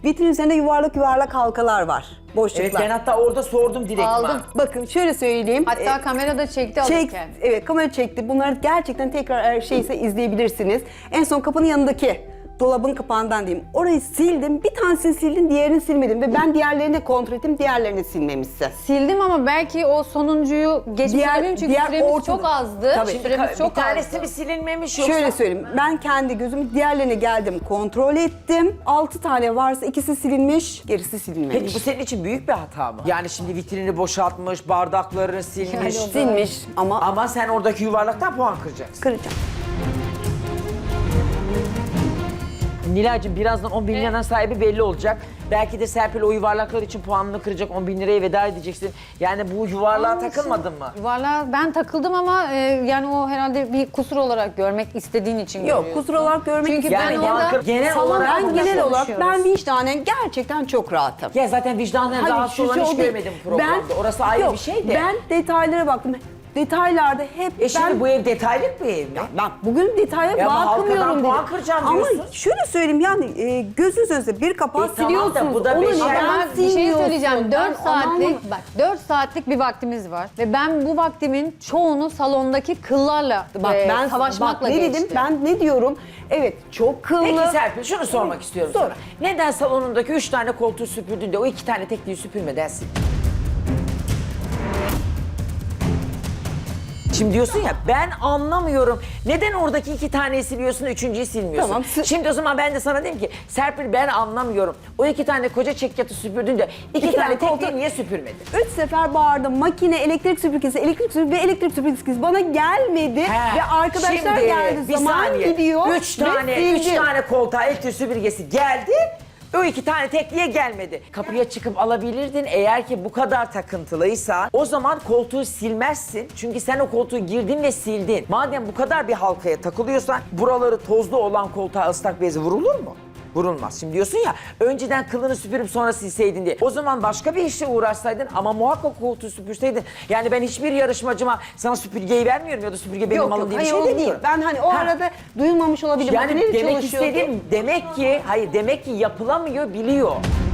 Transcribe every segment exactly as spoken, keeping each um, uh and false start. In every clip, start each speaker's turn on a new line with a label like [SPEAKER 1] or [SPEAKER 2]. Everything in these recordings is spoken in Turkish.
[SPEAKER 1] Vitrin üzerinde yuvarlak yuvarlak halkalar var. Boşluklar.
[SPEAKER 2] Evet, ben hatta orada sordum direkt.
[SPEAKER 3] Aldım.
[SPEAKER 1] Bakın şöyle söyleyeyim.
[SPEAKER 3] Hatta
[SPEAKER 1] Ee,
[SPEAKER 3] kamerada çekti
[SPEAKER 1] Çek,
[SPEAKER 3] alırken.
[SPEAKER 1] evet kamera çekti. Bunları gerçekten tekrar eğer şeyse izleyebilirsiniz. En son kapının yanındaki dolabın kapağından diyeyim. Orayı sildim. Bir tanesini sildim, diğerini silmedim. Ve ben diğerlerini de kontrol ettim. Diğerlerini silmemişsin.
[SPEAKER 3] Sildim ama belki o sonuncuyu geçmiş
[SPEAKER 1] Diğer-
[SPEAKER 3] olabilirim çünkü
[SPEAKER 1] diğer
[SPEAKER 3] süremiz
[SPEAKER 1] ortada-
[SPEAKER 3] çok azdı.
[SPEAKER 1] Tabii.
[SPEAKER 3] Süremiz
[SPEAKER 2] bir
[SPEAKER 3] çok
[SPEAKER 2] tanesi
[SPEAKER 3] azdı.
[SPEAKER 2] mi silinmemiş yoksa?
[SPEAKER 1] Şöyle söyleyeyim. Ben kendi gözüm diğerlerine geldim, kontrol ettim. Altı tane varsa ikisi silinmiş, gerisi silinmemiş.
[SPEAKER 2] Peki bu senin için büyük bir hata mı? Yani şimdi vitrini boşaltmış, bardaklarını silmiş.
[SPEAKER 3] Yani o da-
[SPEAKER 1] silmiş ama
[SPEAKER 2] Ama sen oradaki yuvarlaktan puan kıracaksın.
[SPEAKER 1] kıracağım.
[SPEAKER 2] Nilay'cığım birazdan on bin liranın sahibi belli olacak. Belki de Serpil o yuvarlaklar için puanını kıracak, on bin liraya veda edeceksin. Yani bu yuvarlığa takılmadın mı?
[SPEAKER 3] Valla ben takıldım ama e, yani o herhalde bir kusur olarak görmek istediğin için
[SPEAKER 1] Yok,
[SPEAKER 3] görüyorsun.
[SPEAKER 1] kusur olarak görmek
[SPEAKER 3] Çünkü
[SPEAKER 1] istiyorum.
[SPEAKER 3] ben
[SPEAKER 2] Yani
[SPEAKER 3] orada
[SPEAKER 2] genel- genel
[SPEAKER 3] salon-
[SPEAKER 2] olarak
[SPEAKER 1] Ben
[SPEAKER 2] burada
[SPEAKER 1] genel olarak
[SPEAKER 3] konuşuyoruz.
[SPEAKER 1] ben vicdanen gerçekten çok rahatım.
[SPEAKER 2] Ya zaten vicdanına
[SPEAKER 1] Hayır,
[SPEAKER 2] rahatsız
[SPEAKER 1] şu
[SPEAKER 2] olan
[SPEAKER 1] şey
[SPEAKER 2] hiç
[SPEAKER 1] o değil.
[SPEAKER 2] görmedim programda.
[SPEAKER 1] Ben-
[SPEAKER 2] Orası ayrı
[SPEAKER 1] yok,
[SPEAKER 2] bir şey de.
[SPEAKER 1] Ben detaylara baktım. Detaylarda hep
[SPEAKER 2] E şimdi
[SPEAKER 1] ben...
[SPEAKER 2] bu ev detaylık bir ev mi?
[SPEAKER 1] Bak bugün detaya
[SPEAKER 2] Ya ama
[SPEAKER 1] bakmıyorum
[SPEAKER 2] halkadan
[SPEAKER 1] dedim.
[SPEAKER 2] puan kıracağım
[SPEAKER 1] Ama
[SPEAKER 2] diyorsun.
[SPEAKER 1] şöyle söyleyeyim yani e, gözünüz önünde bir kapağı
[SPEAKER 2] E tamam da
[SPEAKER 1] siliyorsunuz.
[SPEAKER 2] bu da
[SPEAKER 1] Onu
[SPEAKER 2] beşer-
[SPEAKER 1] neden
[SPEAKER 3] Ama bir şey
[SPEAKER 1] silmiyorsun?
[SPEAKER 3] söyleyeceğim.
[SPEAKER 1] Ben
[SPEAKER 3] dört
[SPEAKER 1] onu anlamadım.
[SPEAKER 3] saatlik, bak dört saatlik bir vaktimiz var. Ve ben bu vaktimin çoğunu salondaki kıllarla
[SPEAKER 1] Bak
[SPEAKER 3] e,
[SPEAKER 1] ben
[SPEAKER 3] savaşmakla
[SPEAKER 1] bak, ne
[SPEAKER 3] geçti.
[SPEAKER 1] dedim? Ben ne diyorum? Evet çok kıllı.
[SPEAKER 2] Peki Serpil şunu sormak istiyorum
[SPEAKER 1] Sor.
[SPEAKER 2] sana. Neden salonundaki üç tane koltuğu süpürdün de o iki tane tekliği süpürmeden sildin? Şimdi diyorsun ya ben anlamıyorum. Neden oradaki iki taneyi siliyorsun, üçüncüyü silmiyorsun?
[SPEAKER 1] Tamam, sı-
[SPEAKER 2] Şimdi o zaman ben de sana diyeyim ki Serpil ben anlamıyorum. O iki tane koca çekyatı süpürdün de iki,
[SPEAKER 1] İki
[SPEAKER 2] tane
[SPEAKER 1] tane
[SPEAKER 2] tekliği
[SPEAKER 1] koltuk-
[SPEAKER 2] niye süpürmedin?
[SPEAKER 1] Üç sefer bağırdım. Makine, elektrik süpürgesi, elektrik süpürgesi ve elektrik süpürgesi bana gelmedi.
[SPEAKER 2] He,
[SPEAKER 1] Ve arkadaşlar
[SPEAKER 2] şimdi
[SPEAKER 1] geldi.
[SPEAKER 2] bir
[SPEAKER 1] Zaman
[SPEAKER 2] saniye.
[SPEAKER 1] gidiyor.
[SPEAKER 2] Üç
[SPEAKER 1] ve
[SPEAKER 2] tane, üç
[SPEAKER 1] sildim.
[SPEAKER 2] tane koltuğa elektrik süpürgesi geldi. O iki tane tekliğe gelmedi. Kapıya çıkıp alabilirdin eğer ki bu kadar takıntılıysa. O zaman koltuğu silmezsin. Çünkü sen o koltuğu girdin ve sildin. Madem bu kadar bir halkaya takılıyorsan buraları tozlu olan koltuğa ıslak bezi vurulur mu? Vurulmaz. Şimdi diyorsun ya önceden kılını süpürüp sonra silseydin diye. O zaman başka bir işle uğraşsaydın ama muhakkak koltuğu süpürseydin. Yani ben hiçbir yarışmacıma sana süpürgeyi vermiyorum ya da süpürge benim
[SPEAKER 1] Yok
[SPEAKER 2] malım
[SPEAKER 1] yok
[SPEAKER 2] diye bir
[SPEAKER 1] hayır
[SPEAKER 2] şey
[SPEAKER 1] o değil.
[SPEAKER 2] demiyorum.
[SPEAKER 1] Ben hani o
[SPEAKER 2] Ha.
[SPEAKER 1] arada duyulmamış olabilir.
[SPEAKER 2] Yani
[SPEAKER 1] Makineyle
[SPEAKER 2] demek
[SPEAKER 1] çalışıyordu.
[SPEAKER 2] istediğim demek ki hayır demek ki yapılamıyor biliyor.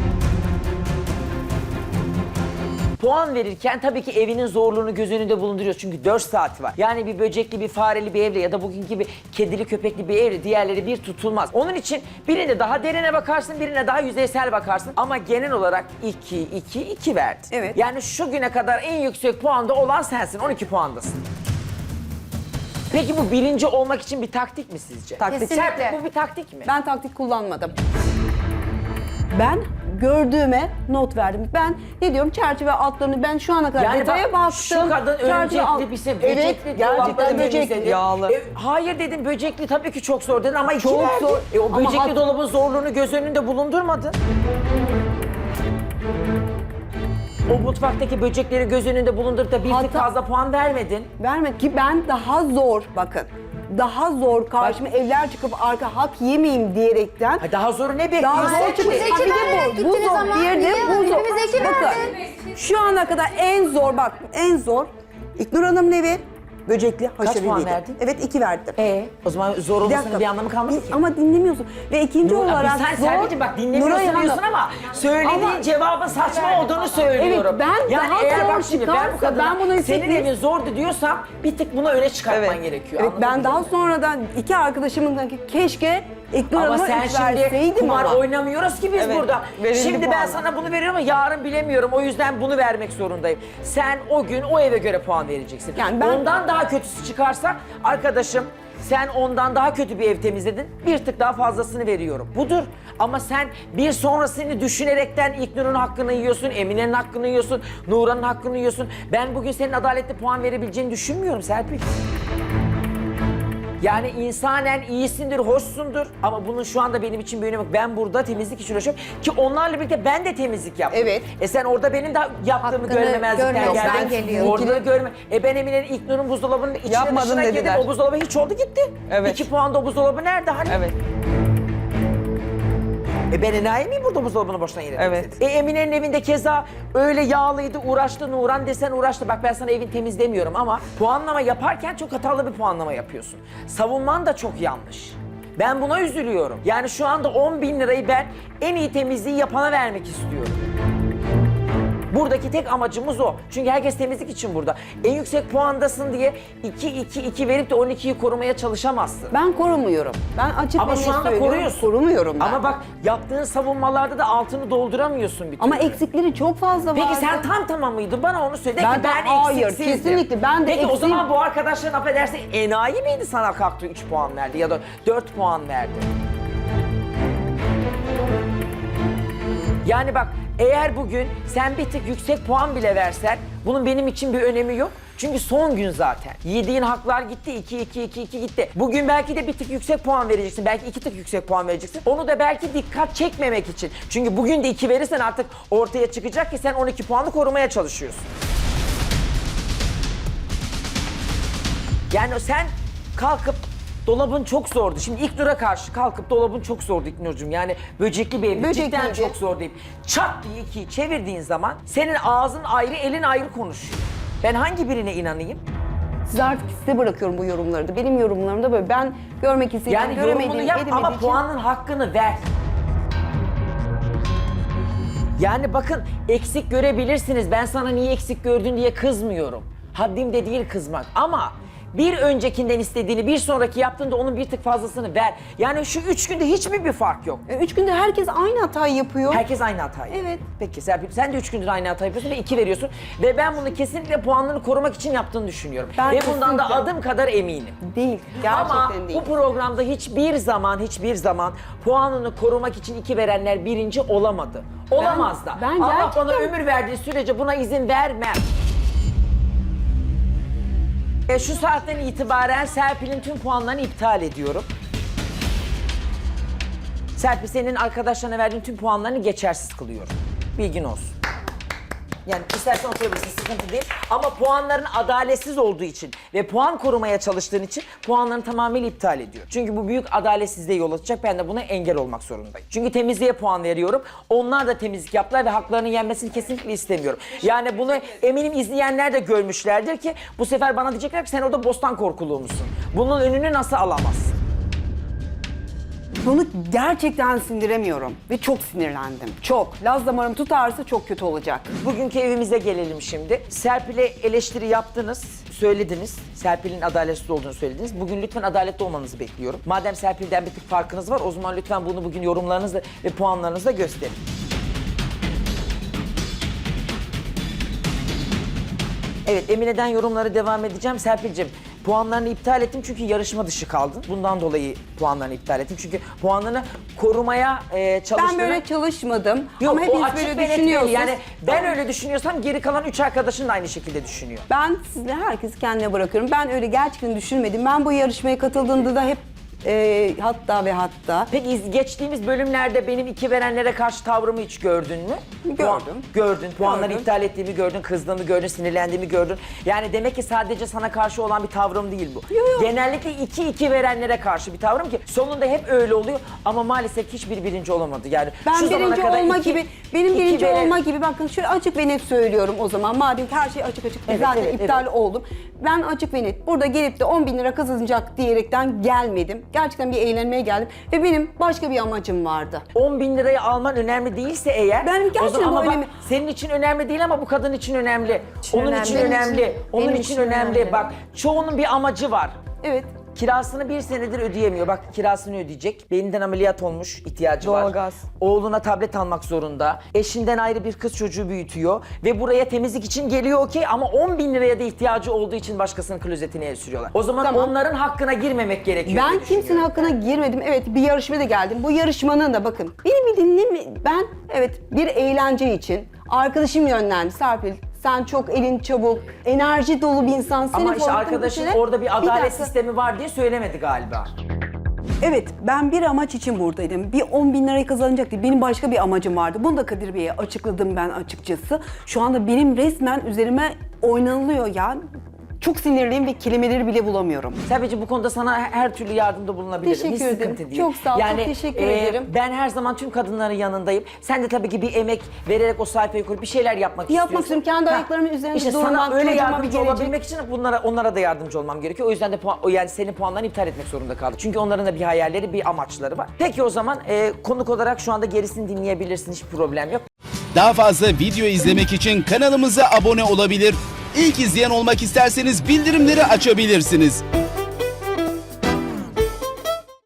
[SPEAKER 2] Puan verirken tabii ki evinin zorluğunu göz önünde bulunduruyor. Çünkü dört saat var. Yani bir böcekli, bir fareli bir evle ya da bugünkü gibi kedili, köpekli bir evle diğerleri bir tutulmaz. Onun için birine daha derine bakarsın, birine daha yüzeysel bakarsın. Ama genel olarak iki, iki, iki verdin.
[SPEAKER 1] Evet.
[SPEAKER 2] Yani şu güne kadar en yüksek puanda olan sensin. on iki puandasın. Peki bu birinci olmak için bir taktik mi sizce?
[SPEAKER 1] Taktik.
[SPEAKER 3] Kesinlikle.
[SPEAKER 2] Serpil, bu bir taktik mi?
[SPEAKER 1] Ben taktik kullanmadım. Ben gördüğüme not verdim. Ben ne diyorum çerçeve altlarını ben şu ana kadar
[SPEAKER 2] Yani
[SPEAKER 1] detaya
[SPEAKER 2] bak,
[SPEAKER 1] baktım.
[SPEAKER 2] şu kadın
[SPEAKER 1] Çerçeve alt-
[SPEAKER 2] öncelikli bir şey,
[SPEAKER 1] Evet
[SPEAKER 2] böcekli,
[SPEAKER 1] gerçekten
[SPEAKER 2] dolapları
[SPEAKER 1] böcekli.
[SPEAKER 2] temizledi.
[SPEAKER 1] Yağlı.
[SPEAKER 2] E, hayır dedim böcekli tabii ki çok zor dedin ama iki
[SPEAKER 1] Çok
[SPEAKER 2] verdi.
[SPEAKER 1] zor.
[SPEAKER 2] E, o
[SPEAKER 1] Ama
[SPEAKER 2] böcekli
[SPEAKER 1] hat-
[SPEAKER 2] dolabın zorluğunu göz önünde bulundurmadın. O mutfaktaki böcekleri göz önünde bulundurup da bir tık
[SPEAKER 1] Hatta-
[SPEAKER 2] fazla puan vermedin.
[SPEAKER 1] Vermedi ki ben daha zor bakın. Daha zor karşıma evler çıkıp arka hak yemeyeyim diyerekten.
[SPEAKER 2] Ha, daha zoru ne
[SPEAKER 1] Daha
[SPEAKER 2] bekliyorsun?
[SPEAKER 1] zor çıktı.
[SPEAKER 4] Biz iki
[SPEAKER 1] Ha, bir de
[SPEAKER 4] verdik,
[SPEAKER 1] bu. Bu
[SPEAKER 4] gittiniz
[SPEAKER 1] zor.
[SPEAKER 4] ama.
[SPEAKER 1] Bir de
[SPEAKER 4] Niye?
[SPEAKER 1] bu zor.
[SPEAKER 4] Hepimiz iki
[SPEAKER 1] Bakın
[SPEAKER 4] verdik.
[SPEAKER 1] şu ana kadar en zor bak en zor İknur Hanım'ın evi böcekli haşereliydi.
[SPEAKER 2] puan verdin?
[SPEAKER 1] Evet iki verdim.
[SPEAKER 2] E, o zaman zor
[SPEAKER 1] Bir
[SPEAKER 2] olmasının
[SPEAKER 1] dakika.
[SPEAKER 2] bir anlamı kalmadı ki.
[SPEAKER 1] Ama dinlemiyorsun. Ve ikinci
[SPEAKER 2] Nur-
[SPEAKER 1] olarak
[SPEAKER 2] sen
[SPEAKER 1] zor.
[SPEAKER 2] Serpil'cim bak dinlemiyorsun
[SPEAKER 1] Nuray Hanım.
[SPEAKER 2] diyorsun ama söylediğin
[SPEAKER 1] Ama-
[SPEAKER 2] cevabın saçma olduğunu söylüyorum.
[SPEAKER 1] Evet, ben
[SPEAKER 2] yani
[SPEAKER 1] daha
[SPEAKER 2] eğer
[SPEAKER 1] zor
[SPEAKER 2] bak şimdi ben bu
[SPEAKER 1] çıkarsa
[SPEAKER 2] kadına
[SPEAKER 1] ben bunu
[SPEAKER 2] senin
[SPEAKER 1] hissettim.
[SPEAKER 2] evin zordu diyorsam bir tık bunu öne çıkartman gerekiyor.
[SPEAKER 1] Evet
[SPEAKER 2] anladın
[SPEAKER 1] ben
[SPEAKER 2] mı?
[SPEAKER 1] daha sonradan iki arkadaşımın da keşke İknur
[SPEAKER 2] Ama
[SPEAKER 1] Hanım'a
[SPEAKER 2] sen
[SPEAKER 1] üç
[SPEAKER 2] şimdi
[SPEAKER 1] verseydim
[SPEAKER 2] kumar
[SPEAKER 1] ama.
[SPEAKER 2] oynamıyoruz ki biz
[SPEAKER 1] Evet,
[SPEAKER 2] burada.
[SPEAKER 1] verildi
[SPEAKER 2] Şimdi
[SPEAKER 1] puan.
[SPEAKER 2] ben sana bunu veriyorum ama yarın bilemiyorum. O yüzden bunu vermek zorundayım. Sen o gün o eve göre puan vereceksin.
[SPEAKER 1] Yani ben-
[SPEAKER 2] Ondan daha kötüsü çıkarsa arkadaşım sen ondan daha kötü bir ev temizledin. Bir tık daha fazlasını veriyorum. Budur. Ama sen bir sonrasını düşünerekten İknur'un hakkını yiyorsun, Emine'nin hakkını yiyorsun, Nuran'ın hakkını yiyorsun. Ben bugün senin adaletli puan verebileceğini düşünmüyorum Serpil. Yani insanen iyisindir, hoşsundur ama bunun şu anda benim için bir önemi yok. Ben burada temizlik için uğraşıyorum ki onlarla birlikte ben de temizlik yaptım.
[SPEAKER 1] Evet.
[SPEAKER 2] E sen orada benim de yaptığımı
[SPEAKER 3] Hakkını
[SPEAKER 2] görmemezlikten
[SPEAKER 3] görmezden
[SPEAKER 2] geldin.
[SPEAKER 3] geliyor.
[SPEAKER 2] Orada da görme. E ben Emine'nin İlknur'un buzdolabının içine
[SPEAKER 1] Yapmadın
[SPEAKER 2] dışına girdim.
[SPEAKER 1] dediler.
[SPEAKER 2] O buzdolabı hiç oldu gitti.
[SPEAKER 1] Evet.
[SPEAKER 2] İki puanda o buzdolabı nerede hani?
[SPEAKER 1] Evet.
[SPEAKER 2] E ben enayi miyim burada buzdolabını boşuna yere
[SPEAKER 1] Evet.
[SPEAKER 2] temizledim? E Emine'nin evinde keza öyle yağlıydı, uğraştı, Nuran desen uğraştı. Bak ben sana evin temizlemiyorum ama puanlama yaparken çok hatalı bir puanlama yapıyorsun. Savunman da çok yanlış. Ben buna üzülüyorum. Yani şu anda on bin lirayı ben en iyi temizliği yapana vermek istiyorum. Buradaki tek amacımız o. Çünkü herkes temizlik için burada. En yüksek puandasın diye iki iki iki verip de on ikiyi korumaya çalışamazsın.
[SPEAKER 1] Ben korumuyorum. Ben açık
[SPEAKER 2] Ama
[SPEAKER 1] ve
[SPEAKER 2] şu
[SPEAKER 1] net
[SPEAKER 2] anda
[SPEAKER 1] söylüyorum,
[SPEAKER 2] koruyorsun.
[SPEAKER 1] Korumuyorum ben.
[SPEAKER 2] Ama bak yaptığın savunmalarda da altını dolduramıyorsun bir türlü.
[SPEAKER 1] Ama eksikleri çok fazla
[SPEAKER 2] Peki
[SPEAKER 1] vardı.
[SPEAKER 2] sen tam tamam mıydın? Bana onu söyle. De
[SPEAKER 1] Ben
[SPEAKER 2] ki
[SPEAKER 1] de-
[SPEAKER 2] ben
[SPEAKER 1] hayır,
[SPEAKER 2] eksiksizdim.
[SPEAKER 1] kesinlikle ben de
[SPEAKER 2] Peki o
[SPEAKER 1] eksiğim.
[SPEAKER 2] zaman bu arkadaşların affedersin enayi miydi sana kalktı üç puan verdi ya da dört puan verdi? Yani bak eğer bugün sen bir tık yüksek puan bile versen bunun benim için bir önemi yok. Çünkü son gün zaten. Yediğin haklar gitti. iki iki iki iki gitti. Bugün belki de bir tık yüksek puan vereceksin. Belki iki tık yüksek puan vereceksin. Onu da belki dikkat çekmemek için. Çünkü bugün de iki verirsen artık ortaya çıkacak ki sen on iki puanı korumaya çalışıyorsun. Yani sen kalkıp dolabın çok zordu. Şimdi ilk dura karşı kalkıp dolabın çok zordu İknur'cum. Yani böcekli bir ev.
[SPEAKER 1] Böcekliydi.
[SPEAKER 2] Cidden çok zor deyip çat diye ikiyi çevirdiğin zaman senin ağzın ayrı, elin ayrı konuşuyor. Ben hangi birine inanayım?
[SPEAKER 1] Size artık size bırakıyorum bu yorumları da. Benim yorumlarım da böyle. Ben görmek istediğim,
[SPEAKER 2] Yani
[SPEAKER 1] göremediğim,
[SPEAKER 2] yorumunu yap
[SPEAKER 1] edemediğim
[SPEAKER 2] ama
[SPEAKER 1] için-
[SPEAKER 2] puanın hakkını ver. Yani bakın eksik görebilirsiniz. Ben sana niye eksik gördün diye kızmıyorum. Haddim de değil kızmak ama bir öncekinden istediğini bir sonraki yaptığında onun bir tık fazlasını ver. Yani şu üç günde hiçbir bir fark yok.
[SPEAKER 1] E, Üç günde herkes aynı hatayı yapıyor.
[SPEAKER 2] Herkes aynı hatayı.
[SPEAKER 1] Evet.
[SPEAKER 2] Peki Serpil sen de üç gündür aynı hatayı yapıyorsun ve iki veriyorsun. Ve ben bunu kesinlikle puanlarını korumak için yaptığını düşünüyorum.
[SPEAKER 1] Ben
[SPEAKER 2] ve bundan da
[SPEAKER 1] kesinlikle-
[SPEAKER 2] adım kadar eminim.
[SPEAKER 1] Değil. Gerçekten
[SPEAKER 2] Ama
[SPEAKER 1] değil.
[SPEAKER 2] bu programda hiçbir zaman hiçbir zaman puanını korumak için iki verenler birinci olamadı. Olamaz da.
[SPEAKER 1] ben
[SPEAKER 2] Allah bana
[SPEAKER 1] gerçekten-
[SPEAKER 2] ömür verdiği sürece buna izin vermem. E, şu saatten itibaren Serpil'in tüm puanlarını iptal ediyorum. Serpil senin arkadaşlarına verdiğin tüm puanlarını geçersiz kılıyorum. Bilgin olsun. Yani istersen oturabilirsin, sıkıntı değil. Ama puanların adaletsiz olduğu için ve puan korumaya çalıştığın için puanlarını tamamıyla iptal ediyor. Çünkü bu büyük adaletsizliğe yol açacak. Ben de buna engel olmak zorundayım. Çünkü temizliğe puan veriyorum. Onlar da temizlik yaptılar ve haklarının yenmesini kesinlikle istemiyorum. Yani bunu eminim izleyenler de görmüşlerdir ki bu sefer bana diyecekler ki sen orada bostan korkuluğu musun? Bunun önünü nasıl alamazsın?
[SPEAKER 1] Bunu gerçekten sindiremiyorum ve çok sinirlendim. Çok. Laz damarım tutarsa çok kötü olacak.
[SPEAKER 2] Bugünkü evimize gelelim şimdi. Serpil'e eleştiri yaptınız, söylediniz. Serpil'in adaletsiz olduğunu söylediniz. Bugün lütfen adaletli olmanızı bekliyorum. Madem Serpil'den bir tık farkınız var, o zaman lütfen bunu bugün yorumlarınızla ve puanlarınızla gösterin. Evet, Emine'den yorumlara devam edeceğim. Serpil'cim, puanlarını iptal ettim çünkü yarışma dışı kaldın. Bundan dolayı puanlarını iptal ettim. Çünkü puanlarını korumaya e, çalıştığını...
[SPEAKER 1] Ben böyle çalışmadım.
[SPEAKER 2] Yok,
[SPEAKER 1] Ama
[SPEAKER 2] o
[SPEAKER 1] hepiniz
[SPEAKER 2] açık
[SPEAKER 1] böyle
[SPEAKER 2] ve net belli.
[SPEAKER 1] düşünüyorsunuz.
[SPEAKER 2] Yani ben öyle düşünüyorsam geri kalan üç arkadaşın da aynı şekilde düşünüyor.
[SPEAKER 1] Ben sizle herkesi kendine bırakıyorum. Ben öyle gerçekten düşünmedim. Ben bu yarışmaya katıldığımda da hep e, hatta ve hatta
[SPEAKER 2] Peki iz- geçtiğimiz bölümlerde benim iki verenlere karşı tavrımı hiç gördün mü?
[SPEAKER 1] Gördüm.
[SPEAKER 2] Puan- gördün. Puanları
[SPEAKER 1] Gördüm.
[SPEAKER 2] iptal ettiğimi gördün, kızdığımı gördün, sinirlendiğimi gördün. Yani demek ki sadece sana karşı olan bir tavrım değil bu.
[SPEAKER 1] Yok, yok.
[SPEAKER 2] Genellikle iki iki verenlere karşı bir tavrım ki sonunda hep öyle oluyor ama maalesef hiçbir birinci olamadı. Yani
[SPEAKER 1] ben
[SPEAKER 2] şu zamana
[SPEAKER 1] birinci
[SPEAKER 2] kadar
[SPEAKER 1] olma
[SPEAKER 2] iki-
[SPEAKER 1] gibi, benim
[SPEAKER 2] iki
[SPEAKER 1] birinci
[SPEAKER 2] veren-
[SPEAKER 1] olma gibi bakın şöyle açık ve net söylüyorum o zaman. Madem ki her şey açık açık
[SPEAKER 2] Evet,
[SPEAKER 1] zaten
[SPEAKER 2] evet,
[SPEAKER 1] iptal
[SPEAKER 2] evet.
[SPEAKER 1] oldum. Ben açık ve net burada gelip de on bin lira kazanacak diyerekten gelmedim. Gerçekten bir eğlenmeye geldim ve benim başka bir amacım vardı.
[SPEAKER 2] on bin lirayı alman önemli değilse eğer...
[SPEAKER 1] Benim
[SPEAKER 2] o
[SPEAKER 1] gerçekten
[SPEAKER 2] zaman
[SPEAKER 1] bu
[SPEAKER 2] ama bak,
[SPEAKER 1] önemli.
[SPEAKER 2] senin için önemli değil ama bu kadın için önemli. Onun
[SPEAKER 3] önemli.
[SPEAKER 2] için
[SPEAKER 3] Benim
[SPEAKER 2] önemli.
[SPEAKER 3] için-
[SPEAKER 2] Onun
[SPEAKER 3] benim
[SPEAKER 2] için
[SPEAKER 3] için
[SPEAKER 2] önemli.
[SPEAKER 3] önemli.
[SPEAKER 2] Bak çoğunun bir amacı var.
[SPEAKER 1] Evet.
[SPEAKER 2] Kirasını bir senedir ödeyemiyor. Bak kirasını ödeyecek. Beyninden ameliyat olmuş, ihtiyacı var.
[SPEAKER 3] Doğalgaz.
[SPEAKER 2] Oğluna tablet almak zorunda. Eşinden ayrı bir kız çocuğu büyütüyor. Ve buraya temizlik için geliyor okey ama on bin liraya da ihtiyacı olduğu için başkasının klozetine el sürüyorlar. O zaman
[SPEAKER 1] Tamam.
[SPEAKER 2] onların hakkına girmemek gerekiyor
[SPEAKER 1] Ben
[SPEAKER 2] diye
[SPEAKER 1] kimsenin
[SPEAKER 2] düşünüyorum.
[SPEAKER 1] hakkına girmedim. Evet bir yarışmaya da geldim. Bu yarışmanın da bakın beni bir dinleme. Ben evet bir eğlence için arkadaşım yönlendi. Serpil sen çok elin çabuk, enerji dolu bir insansın.
[SPEAKER 2] Ama
[SPEAKER 1] Senin
[SPEAKER 2] işte
[SPEAKER 1] formatın
[SPEAKER 2] arkadaşın
[SPEAKER 1] şeyler-
[SPEAKER 2] orada bir adalet
[SPEAKER 1] dakika.
[SPEAKER 2] sistemi var diye söylemedi galiba.
[SPEAKER 1] Evet ben bir amaç için buradaydım. Bir on bin lirayı kazanacak değil. Benim başka bir amacım vardı. Bunu da Kadir Bey'e açıkladım ben açıkçası. Şu anda benim resmen üzerime oynanılıyor ya. Çok sinirliyim ve kelimeleri bile bulamıyorum.
[SPEAKER 2] Tabii bu konuda sana her türlü yardımda bulunabilirim.
[SPEAKER 1] Teşekkür
[SPEAKER 2] Hiç
[SPEAKER 1] ederim.
[SPEAKER 2] sıkıntı değil.
[SPEAKER 1] Çok sağ ol, çok teşekkür ederim.
[SPEAKER 2] Ben her zaman tüm kadınların yanındayım. Sen de tabii ki bir emek vererek o sayfayı kurup bir şeyler yapmak
[SPEAKER 1] Yapmak
[SPEAKER 2] istiyorsun.
[SPEAKER 1] istiyorum. Kendi
[SPEAKER 2] Ha,
[SPEAKER 1] ayaklarımın üzerinde
[SPEAKER 2] işte
[SPEAKER 1] durmak,
[SPEAKER 2] sana öyle
[SPEAKER 1] çocuğuma
[SPEAKER 2] yardımcı
[SPEAKER 1] bir gelecek.
[SPEAKER 2] olabilmek için bunlara, onlara da yardımcı olmam gerekiyor. O yüzden de puan, o yani senin puanlarını iptal etmek zorunda kaldım. Çünkü onların da bir hayalleri, bir amaçları var. Peki o zaman e, konuk olarak şu anda gerisini dinleyebilirsin. Hiç problem yok.
[SPEAKER 4] Daha fazla video izlemek için kanalımıza abone olabilir. İlk izleyen olmak isterseniz bildirimleri açabilirsiniz.